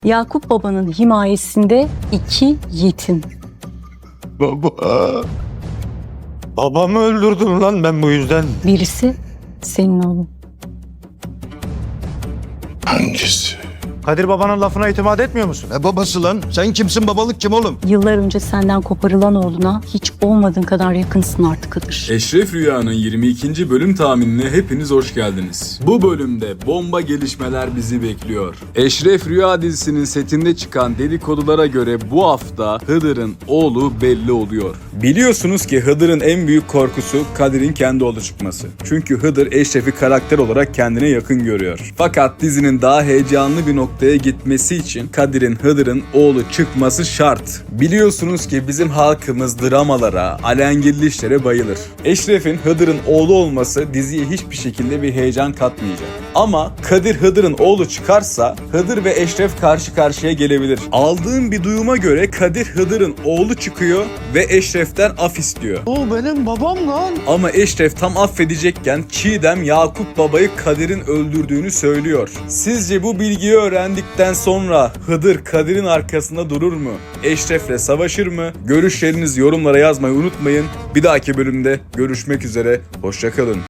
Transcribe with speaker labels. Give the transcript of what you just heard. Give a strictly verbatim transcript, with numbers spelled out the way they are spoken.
Speaker 1: Yakup Baba'nın himayesinde iki yetim.
Speaker 2: Baba. Babamı öldürdüm lan ben bu yüzden.
Speaker 1: Birisi senin oğlun.
Speaker 2: Hangisi?
Speaker 3: Kadir babanın lafına itimat etmiyor musun?
Speaker 2: Ne babası lan? Sen kimsin, babalık kim oğlum?
Speaker 1: Yıllar önce senden koparılan oğluna hiç olmadığın kadar yakınsın artık Hıdır.
Speaker 4: Eşref Rüya'nın yirmi ikinci bölüm tahminine hepiniz hoş geldiniz. Bu bölümde bomba gelişmeler bizi bekliyor. Eşref Rüya dizisinin setinde çıkan dedikodulara göre bu hafta Hıdır'ın oğlu belli oluyor. Biliyorsunuz ki Hıdır'ın en büyük korkusu Kadir'in kendi oğlu çıkması. Çünkü Hıdır Eşref'i karakter olarak kendine yakın görüyor. Fakat dizinin daha heyecanlı bir noktaya gitmesi için Kadir'in Hıdır'ın oğlu çıkması şart. Biliyorsunuz ki bizim halkımız dramalara, alengirli işlere bayılır. Eşref'in Hıdır'ın oğlu olması diziye hiçbir şekilde bir heyecan katmayacak. Ama Kadir Hıdır'ın oğlu çıkarsa Hıdır ve Eşref karşı karşıya gelebilir. Aldığım bir duyuma göre Kadir Hıdır'ın oğlu çıkıyor ve Eşref'ten af istiyor.
Speaker 3: O benim babam lan.
Speaker 4: Ama Eşref tam affedecekken Çiğdem Yakup Baba'yı Kadir'in öldürdüğünü söylüyor. Sizce bu bilgiyi öğrendikten sonra Hıdır Kadir'in arkasında durur mu? Eşref'le savaşır mı? Görüşlerinizi yorumlara yazmayı unutmayın. Bir dahaki bölümde görüşmek üzere. Hoşça kalın.